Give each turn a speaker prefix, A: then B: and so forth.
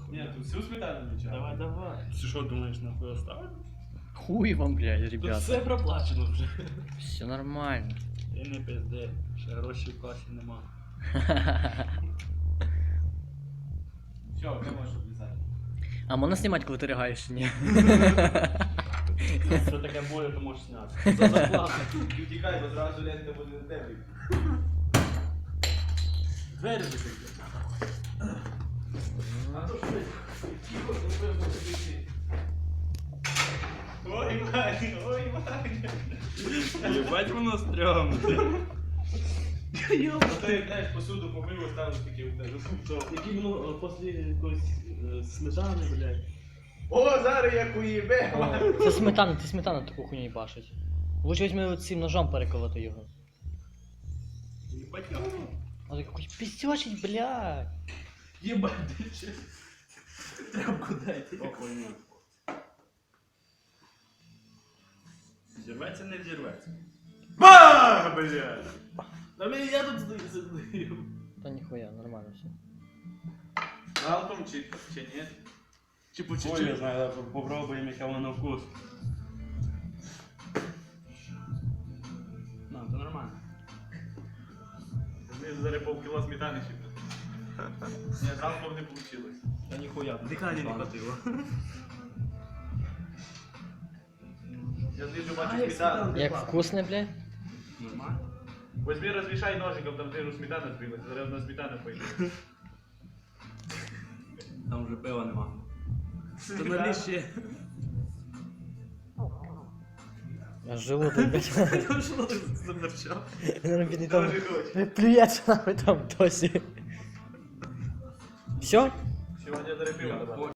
A: Ні, тут всю сметану не чаю.
B: Давай.
C: Ти що думаєш, нахуй оставити?
D: Хуй вам, блядь,
B: Тут
D: ребята.
B: все проплачено вже.
D: Все нормально.
C: Ти не пизди, ще грошей в касі нема.
A: Все, ти можеш облізати.
D: А можна знімати, коли ти ригаєш чи ні?
C: Якщо таке буде, то можеш зняти.
B: За зарплату.
A: І тікай, бо зразу лента буде на тебе.
B: Двері закрити.
A: А то що ти? Тихо, ти будеш ходити. Ой, Ваня, ой, Ваня.
C: Єбать воно стрьомне.
A: А то як, знаєш, посуду помив, оставив таке в тебе.
B: Які воно після якоїсь сметани, блядь.
A: О, зараз як уїбе, Ваня.
D: Це сметана, ти сметану таку хуйню їбашить. Лучше візьми цим ножом переколоти його.
C: Єбать його.
D: А ти якийсь піздячить, блядь.
B: Єбать, ти ще. Тряпку дайте.
C: О, хуйня. Зірветься, не взірветься.
A: Ба, блядь.
B: А мені я тут здаю.
D: Та ніхуя, нормально все.
A: Галком чи ні?
B: Чи по
C: Ой, я
B: чуть-чуть.
C: знаю, попробуємо, яке воно вкус.
B: Ну, це нормально.
A: Ми зараз полкіло сметани ще. Ні, галком не вийшло.
B: Та ніхуя. Дихання не хватило.
A: Я знижу
B: А,
A: бачу
B: як
A: сметану.
B: сметана.
D: Як вкусне, блядь?
B: Нормально.
A: Возьми, розмішай ножиком, там знижу сметана збилась. Зараз одна сметана пойде.
C: Там вже пива нема.
B: То налій ще.
D: Аж желудок, блядь.
B: Там що ти замерчав?
D: Він бідний там
A: Тоже хоче.
D: плюється нахуй там досі. Все?
A: Сьогодні зараз пиво добавили.